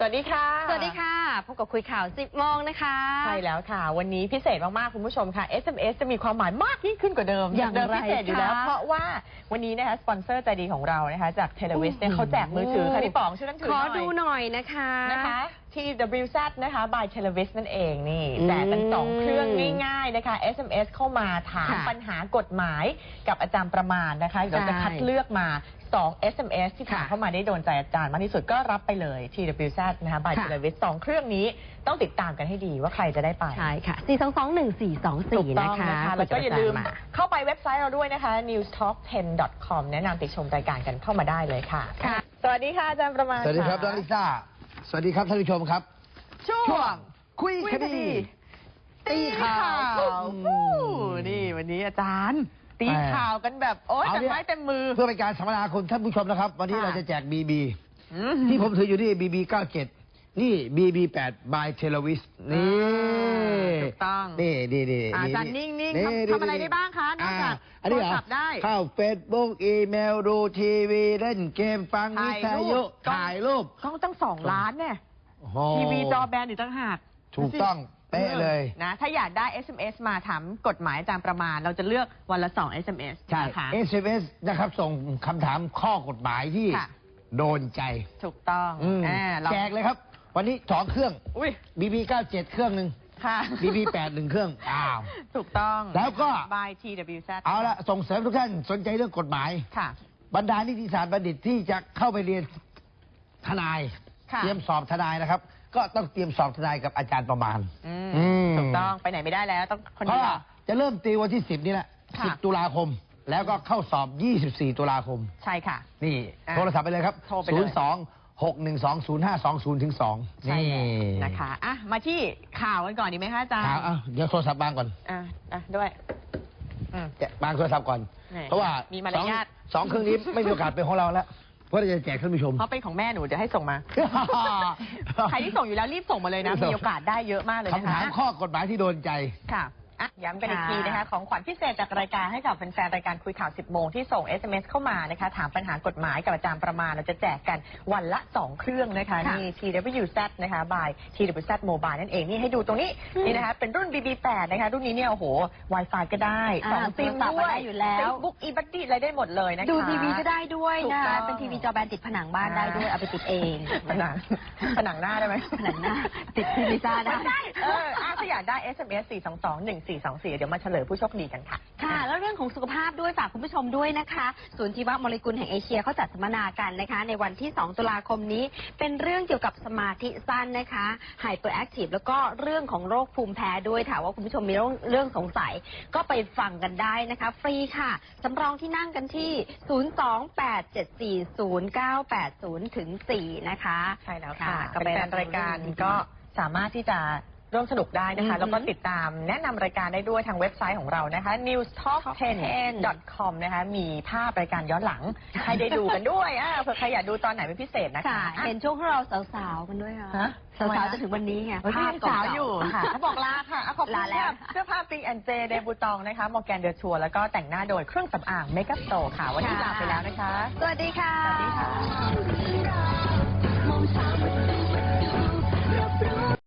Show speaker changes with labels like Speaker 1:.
Speaker 1: วัสดีค่ะ
Speaker 2: สวัสดีค่ะพบกับคุยข่าว 10 โมงนะคะ
Speaker 1: ใช่แล้วค่ะวันนี้พิเศษมากๆคุณผู้ชมค่ะ SMS จะมีความหมายมากยิ่งขึ้นกว่าเดิม
Speaker 2: อย่างไร
Speaker 1: พิเศษอยู่แล้วเพราะว่าวันนี้นะคะสปอนเซอร์ใจดีของเรานะคะจากเทเลวิสเนี่ยเขาแจกมือถือค่ะพี่ป๋องช่วยกันถือหน่อย
Speaker 2: ขอดูหน่อยนะคะ
Speaker 1: TWZ นะคะ by Televis นั่นเองนี่แจกกัน2เครื่องง่ายๆนะคะ SMS เข้ามาถามปัญหากฎหมายกับอาจารย์ประมาณนะคะเดี๋ยวจะคัดเลือกมา2 SMS ที่ถามเข้ามาได้โดนใจอาจารย์มากที่สุดก็รับไปเลย TWZ นะคะ by Televis 2 เครื่องนี้ต้องติดตามกันให้ดีว่าใครจะได้ไป
Speaker 2: ใช่ค่ะ4221424นะคะ
Speaker 1: แล้วก็อย่าลืมเข้าไปเว็บไซต์เราด้วยนะคะ newstalk10.com แนะนำติดชมรายการกันเข้ามาได้เลยค่ะสวัสดีค่ะอาจารย์ประมาณ
Speaker 3: สวัสดีครับน้องลิซ่าสวัสดีครับท่านผู้ชมครับ
Speaker 1: ช่วง
Speaker 3: คุยคดีตีข่าว
Speaker 1: นี่วันนี้อาจารย์ตีข่าวกันแบบโอ๊ยเต็มไม้เต็มมือ
Speaker 3: เพื่อเป็นการสัมมนาคุณท่านผู้ชมนะครับวันนี้เราจะแจกBBที่ผมถืออยู่ที่BB 97นี่BB 8 by Televis นี่
Speaker 1: ถูกต้อง
Speaker 3: นี่
Speaker 1: อาจารย์นิ่งๆทำอะไรได้บ้างคะนอกจากโทรศัพท์ได้
Speaker 3: เข้า Facebook อีเมลดูทีวีเล่นเกมฟังวิทยุถ่ายรูป
Speaker 1: ต้อง2 ล้านเนี่ยทีวีจอแบนอีกต่างหาก
Speaker 3: ถูกต้องเป๊ะเลย
Speaker 1: นะถ้าอยากได้ SMS มาถามกฎหมายอาจารย์ประมาณเราจะเลือกวันละ2 SMS
Speaker 3: ใช่ SMS นะครับส่งคำถามข้อกฎหมายที่โดนใจ
Speaker 1: ถูกต้อง
Speaker 3: แจกเลยครับวันนี้2 เครื่องBB 97เครื่องหนึ่งBB 8 1 เครื่อง
Speaker 1: ถูกต้อง
Speaker 3: แล้วก็
Speaker 1: by TWZ
Speaker 3: เอาละส่งเสริมทุกท่านสนใจเรื่องกฎหมายบรรดานิติศาสตร์บัณฑิตที่จะเข้าไปเรียนทนายเตรียมสอบทนายนะครับก็ต้องเตรียมสอบทนายกับอาจารย์ประมาณ
Speaker 1: ถูกต้องไปไหนไม่ได้แล้วต้องคนนี้
Speaker 3: จะเริ่มตีวันที่10นี่แหละ10 ตุลาคมแล้วก็เข้าสอบ24 ตุลาคม
Speaker 1: ใช่ค่ะ
Speaker 3: นี่โทรศัพท์ไปเลยครับ02-612-0520 ถึง 2
Speaker 1: นี่นะคะมาที่ข่าวกันก่อนดีไหมคะอาจารย์
Speaker 3: ข่าวเดี๋ยวโทรศัพท์บางก่อน
Speaker 1: ด้วย
Speaker 3: บางโทรศัพท์ก่อนเพราะว่า
Speaker 1: มีมารยาท
Speaker 3: 2 เครื่องนี้ไม่มีโอกาสเป็นของเราแล้วเพราะเราจะแจกท่านผู้ชม
Speaker 1: เพราะเป็นของแม่หนูจะให้ส่งมาใครที่ส่งอยู่แล้วรีบส่งมาเลยนะมีโอกาสได้เยอะมากเลยนะคะ
Speaker 3: คำถามข้อกฎหมายที่โดนใจ
Speaker 1: ค่ะย้ำกันอีกทีนะคะของขวัญพิเศษจากรายการให้กับแฟนๆรายการคุยข่าว 10 โมงที่ส่ง SMS เข้ามานะคะถามปัญหากฎหมายกับอาจารย์ประมาณเราจะแจกกันวันละ2 เครื่องนะคะนี่ TWZ นะคะ by TWZ Mobile นั่นเองนี่ให้ดูตรงนี้นี่นะคะเป็นรุ่น BB8 นะคะรุ่นนี้เนี่ยโอ้โห Wi-Fi ก็ได้2 ซิมด้วย
Speaker 2: อยู่แล้ว
Speaker 1: Facebook eBuddy อะไรได้หมดเลยนะคะ
Speaker 2: ดูทีวีก็ได้ด้วยนะคะเป็นทีวีจอแบนติดผนังบ้านได้ด้วยเอาไปติดเอง
Speaker 1: ผนังหน้าได้ไหม
Speaker 2: ผนังหน้าติดทีวีซ่าได้
Speaker 1: ถ้าอยากได้ SMS 422-1424 เดี๋ยวมาเฉลยผู้โชคดีกันค่ะ
Speaker 2: ค่ะแล้วเรื่องของสุขภาพด้วยฝากคุณผู้ชมด้วยนะคะศูนย์ชีวโมเลกุลแห่งเอเชียเขาจัดสัมมนากันนะคะในวันที่2 ตุลาคมนี้เป็นเรื่องเกี่ยวกับสมาธิสั้นนะคะไฮเปอร์แอคทีฟแล้วก็เรื่องของโรคภูมิแพ้ด้วยถามว่าคุณผู้ชมมีเรื่องสงสัยก็ไปฟังกันได้นะคะฟรีค่ะสำรองที่นั่งกันที่028740980ถึง4นะคะ
Speaker 1: ใช่แล้วค่ะก็เป็นรายการก็สามารถที่จะร่วมสนุกได้นะคะแล้วก็ติดตามแนะนำรายการได้ด้วยทางเว็บไซต์ของเรานะคะ newstalk10.com นะคะมีภาพรายการย้อนหลังให้ได้ดูกันด้วยเผื่อใครอยากดูตอนไหนเป็นพิเศษนะคะ
Speaker 2: เห็นช่วงที่เราสาวๆกันด้วยค่ะสาวๆจะถึงวันนี้ไง
Speaker 1: ภาพสาวอยู่ค่ะเขาบอกลาค่ะขอบคุณแล้วเสื้อผ้าปิงแอนเจเดบูตองนะคะมอร์แกนเดอร์ชัวแล้วก็แต่งหน้าโดยเครื่องสำอางเมคอัพโตค่ะวันนี้ลาไปแล้วนะคะ
Speaker 2: สวัสดีค่ะ
Speaker 1: สวัสดีค่ะ